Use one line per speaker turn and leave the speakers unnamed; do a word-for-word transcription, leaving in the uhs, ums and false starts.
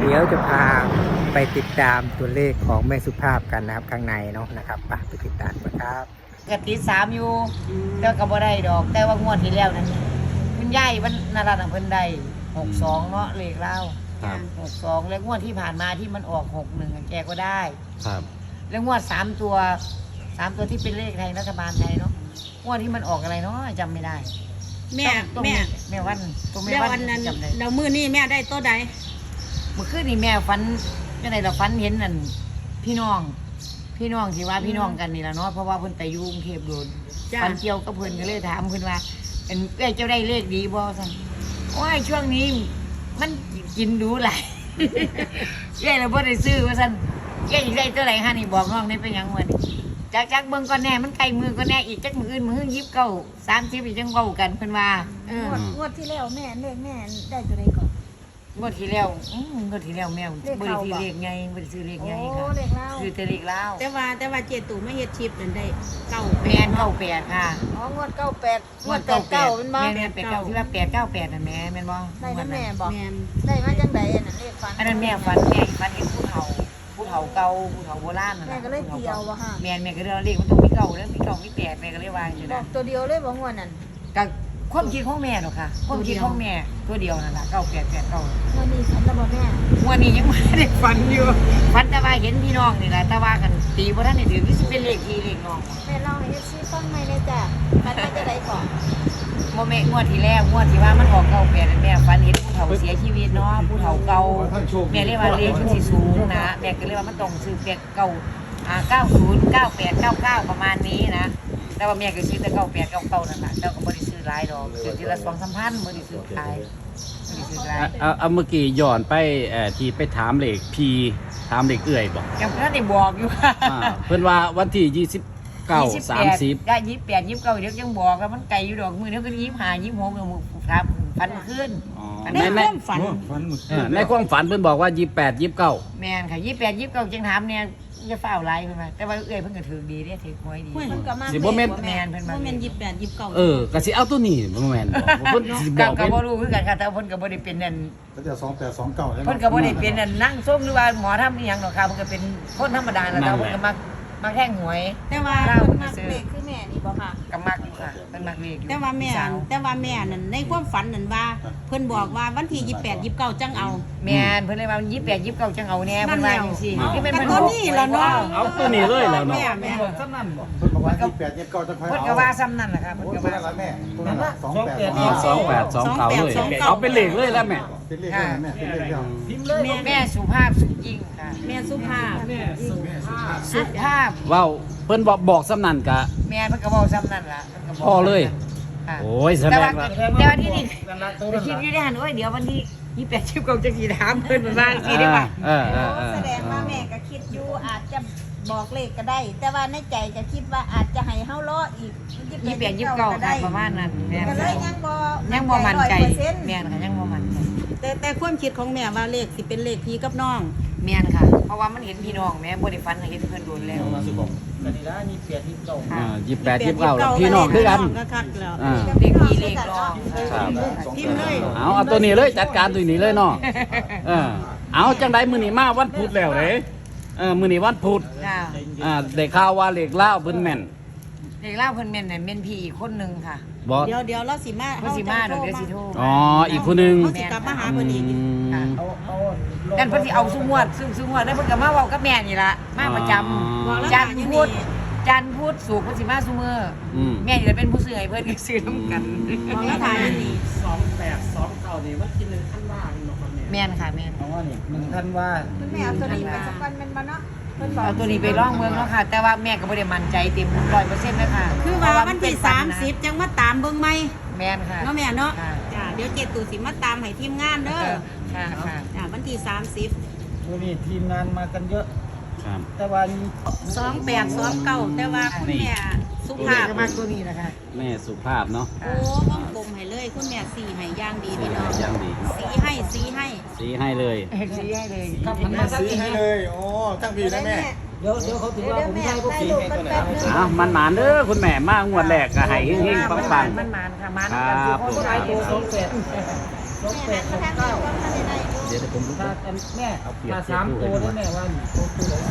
เดี๋ยวจะพาไปติดตามตัวเลขของแม่สุภาพกันนะครับข้างในเนาะนะครับไปไปติดตามกันครับ
กติดสามอยู่แต่ก็บ่ได้ดอกแต่ว่างวดที่แล้วนั้นคุณยายวันนาราเพิ่นได้หกสองเนาะเลขเล่าหกสองแล้วงวดที่ผ่านมาที่มันออกหกหนึ่งแกก็ได้
ครับ
แล้วงวดสามตัวสามตัวที่เป็นเลขไทยรัฐบาลไทยเนาะงวดที่มันออกอะไรเนาะจำไม่ได้
แม่แม่
แม่วันตัวแม่
วันนั้นเรามือนี่แม่ได้ตัวใด
เมื่อคืนนี่แม่ฝันยังไงเราฝันเห็นนั่นพี่น้องพี่น้องที่ว่าพี่น้องกันนี่แหละเนาะเพราะว่าเพิ่นไปอยู่กรุงเทพโดนฝันเกี่ยวกับเพิ่นก็เลยถามเพิ่นว่าเป็นเอ้ยเจ้าได้เลขดีบ่ซั่นโอ้ยช่วงนี้มันกินดูหลายเอ้ยเราบ่ได้ซื้อว่าซั่นเอ้ยได้เท่าไหร่ฮะนี่บอกน้องได้เป็นหยังมื้อนี้จักจักเบิ่งก่อนแน่มันไกลมือก่อนแน่อีกจักมื้ออื่นมื้อยี่สิบเก้า สามสิบอีกจังเว้ากันเพิ่นว่าเออง
วดงวดที่แล้วแม่เลขแม่ได้ตัวใดก่อน
งวดที่แล้วอืมงวดที่แล้วแม่บ่ได้ซื้อเลขใหญ่บ่ได้ซื้อเลขใหญ่ค่ะ
โอ้เลขเล่า
คือแต่เลขลาว
แต่ว่าแต่ว่าเจตู่ไม่เฮ็ดชิปนั่นได้เก้า
แม่นเก้าแปดค่ะ
อ๋องวดเก้าแปดงวดแปดเก้าเป็นบ่
แม่นแปดเก้าที่ว่าแปดเก้าแปดน่ะแม่แม่นบ่
ได้นะแม่บอก
แม่น
ได้มาจังไดอันนั้นเลขฟัน
อันนั้นแม่ฝันแม่ฝันเห็นผู้เฒ่าผู้เฒ่าเก่าผู้เฒ่าโบราณนั่น
แม่
น่ะ
ก็เลยเตียวบ่ฮะ
แม่นแม่ก็เลยเอาเลขมันต้องมีเก้าแล้วมีเก้ามีแปดแม่ก็เลยวางอยู่
บอ
นะ
กตัวเดียวเลยบ่งวดนั้น
ก็ความคิดของแม่เนาะค่ะความคิดของแม่ตัวเดียวนั่นล่ะเก้าแปดแปดเก้าง
วดนี้ฝันแล้วบ่แม่
วันนี้ยังไม่ได้ฝันอยู่ฝันแต่ว่าเห็นพี่น้องนี่แหละแต่ว่ากันตีบ่ทันได้ถือคือสิเป็นเลขพี่เลขน้อง
แม่เล่าให้ เอฟ ซี ฟังใหม่เลยจ้ะฝันว่าจะได้ก่อน
โมเมงวดที่แรกงวดที่ว่ามันออกเก่าแปดนั่นแม่ฝันเห็นผู้เฒ่าเสียชีวิตเนาะผู้เฒ่าเก่าแม่เรียกว่าเลขมันสิสูงนะแม่ก็เรียกว่ามันต้องซื้อแปดเก้าอ่าเก้าศูนย์เก้าแปดเก้าเก้าประมาณนี้นะแต่ว่าแม่ก็ซื้อแต่เก้าแปดเก้าเก้านั่นแหละแล้วก็บ่ได้ซื้อหลายดอกซื้อทีละสองสามพันบ่ได้ซื้อหลายบ่ได้ซื้อหลาย
เอาเอาเมื่อกี้ย้อนไปเอ่อที่ไปถามเลขพีถามเลขเอื่อยบอก
ยังบ่ทันได้บอกอยู่
อ่าเพิ่นว่าวันที่ยี่สิบเก้า สามสิบ
ได้ยี่สิบแปดยี่สิบเก้าเดี๋ยวยังบอกว่ามันไกลอยู่ดอกมือเดี๋ยวก็ยี่สิบห้ายี่สิบหกเดี๋ยวครับพันขึ้น
ในความฝัน
เออในความฝันเพิ่นบอกว่ายี่สิบแปด ยี่สิบเก้า
แม่นค่ะยี่สิบแปดยี่สิบเก้าจังถามเนี่ยจะฝ้าวไล่เพิ่นมาแต่ว่าเอ้ยเพิ่นก็ถือดีเด้ถือหวยดี
เฮ้ย
เพิ่นก็มา
สิบ่แม่น
แม่นเพิ่นมา
บ่แม่นยี่สิบแปด ยี่สิบเก้า
เออก็สิเอาตัวนี้บ่แม่นบ่เพิ่นสิบ
ก็
อก
ก็
เป็น
บ่รู้คือกันค่ะแต่เพิ่นก็บ่ได้เป็นนั่น
ก็จะสองแปดสองเก้าใช่ไหม
เพิ่นก็บ่ได้เป็นนั่นนั่งส้มหรือว่าหมอทำอีหยังดอกค่ะเพิ่นก็เป็นคนธรรมดาแล้วเพิ่นก็มักมักแท่งหวย
แต่ว่า
เล่า
เพิ่น
เพิ่น
มา
ซื้อ
เลขคือแม่นี่บ่ค่ะ
ก็มักอยู่ค่ะเพิ่นมักเลขอยู่
แต่ว่าแม่แต่ว่าแม่นั่นในความฝันนั่นว่าเพิ่นบอกว่าวันที่ยี่สิบแปด ยี่สิบเก้าจังเอา
แม่นเพิ่นเลยว่ายี่สิบแปดยี่สิบเก้าจังเอาแน่เพิ่นว่าจังซี่
นั่นแล้ว
ที่เป็นเพิ่น
ก็ตัวนี้ล่ะเนาะ
เอาตัวนี้เลยแล้วเนาะ
แม่แม่
ซ้ำนั่นบ่
เพิ่นบอกว่ายี่สิบแปดยี่สิบเก้าจะค่อย
เพิ่น
เอา
ก็ว่าซ้ำนั่นแหละครับ
โอ้
เพิ่น
ย
ก็
ตัว
ว่า
นั้นละแม่ตัวนั้นละสองแปด
อ๋อสองแปด สองเก้าเลยเอาเป็นเลขเลยแล้วแม่
เป็นเลขอะไรแม่เป็นเลขเดียว
แม่
แม่สุภาพสุยิ่งค่ะ
แม่สุภาพ
สุภาพ
เว้าเพิ่นบอกบอกซ้ำนั่นกะ
แม่เพิ่นก็บอกซ้ำนั่นล่ะเพิ่นก็บอก
พอเลย
ค่ะ
โอ้ยแสด
แต่
ง
ว่า
ว่า
แต่ว่าที่นี่ไปคิดอยู่ในหันโอ้ยเดี๋ยววันที่ยี่สิบแปดชิบเก้าจะกี่ถามเพิ่นมาบ้างสิได้ป่ะ
เออเออเออ
แสดงว่าแม่ก็คิดอยู่อาจจะบอกเลขก็ได้ แต่ว่าในใจก็คิดว่าอาจจะให้เฮารออีก
ยี่สิบแปดยี่สิบเก้าค่ะประมาณนั้นแม่
ก็เลยยังบ่
ยังบ่มั่นใจ
ร้อยเปอร์เซ็นต์
แม่นค่ะยังบ่มั่นใจ
แต่แต่ความคิดของแม่ว่าเลขสิเป็นเลขพี่กับน้อง
แม่นค่ะ เพราะว่ามันเห็นพี่น้องแม่บ่ได้ฟันเห็นเพิ่นโดนแล้วค่ะ
อ่ายี่สิบแปด ยี่สิบเก้าแล้วพี่น้องคือกัน
ก็คักแล้ว
อ่า
เด็กพี่เลขน้อง
ครับ
พิมพ์เลย
เอาเอาตัวนี้เลยจัดการตัวนี้เลยเนาะเออเอาจังไดมื้อนี้มาวันพุธแล้วเด้เออมื้อนี้วันพุธ
ค่ะ
อ่าได้ข่าวว่าเลขลาวเพิ่นแม่น
เด็กเล่าเพิ่นแม่นน่ะแม่นพี่อีกคนนึงค่ะ
บ่
เดี๋ยวเดี๋ยวเราสิมา
เพิ่นสิมาเดี๋ยวเดี๋ยวสิโทร
อ๋ออีกคนหนึง
เขาสิกลับมาหาเพิ่นอีก
อืม
ค่ะนั่นเพิ่นสิเอาซุงวดซุซุงวดแล้วเพิ่นก็มาเว้ากับแม่นี่ล่ะมาประจำ
บอกแล้ว
จันท
หา
ร์
อยู่
พุธ
นี่
จันทร์พุธศุกร์เพิ่นสิมาซุมื้อ
อืม
แม่นี่จะเป็นผู้ซื้อให้เพิ่นก็ซื้อนํกัน
บอกแล้วถ่ายอยู่นี่
แม่นค่ะแม่น
เพราะว่านี่หนึ่งท่านว่า
คุณแม่เอาตัวนี้ไปสักวันแม่นบ่เนาะเพิ่นบอก
เอาตัวนี้ไปร่องเมืองแล้วค่ะ แต่ว่าแม่ก็บ่ได้มั่นใจเต็ม ร้อยเปอร์เซ็นต์ เลยค่ะ
คือว่าวันที่
เพระ
สาม
เป็
สิบ
น
จังมาตามเบิ่งใหม่
แม่นค่ะ
เนาะแม่เนาะ
ค่ะ
จ้าเดี๋ยวเจตู่สิมาตามให้ทีมงานเด้อ
ค่ะค่ะ
จ้าวันที่สามสิบ
วันนี้ทีมงานมากันเยอะ
ครับ
แต่วัน
สองแปดสองเก้าแต่ว่าคุณแม่สุ
ตัว
ภา
นี้
พ
ก็มากตัวนี้นะคะ
แม่สุภาพเนาะ
โอ้บ้องกลมให้เลยคุณแม่สีให้ย่างดีพี่น้อง
ยังดีเนาะ
สีให้สีให้
สีให้เลย
เอกสีให้เลยก็
มันมาซื้อให้เลยโอ้ตั้งปีนะแม่
เดี๋ยวเดี๋ยวเขาถือว่าผมใช่พวกสีให้ตัวไหน
อ้าวมันหมานเด้อคุณแม่มางวดแรกก็ให้เฮงๆปัง
มันมันค่ะมัน
ครับ
กันคือคนหลายตัวสองแปด
สองแปดสองเก้า
ๆเดี๋ยวดี๋ยวเดี๋ยวผมรู้
ถ้า
ว่า
แม่
เอาเปรียบ
ถ้า
เทียบ
สาม
ดู
ตัว
ให้ดู
ได้แม่ว่าตัวตัวไหน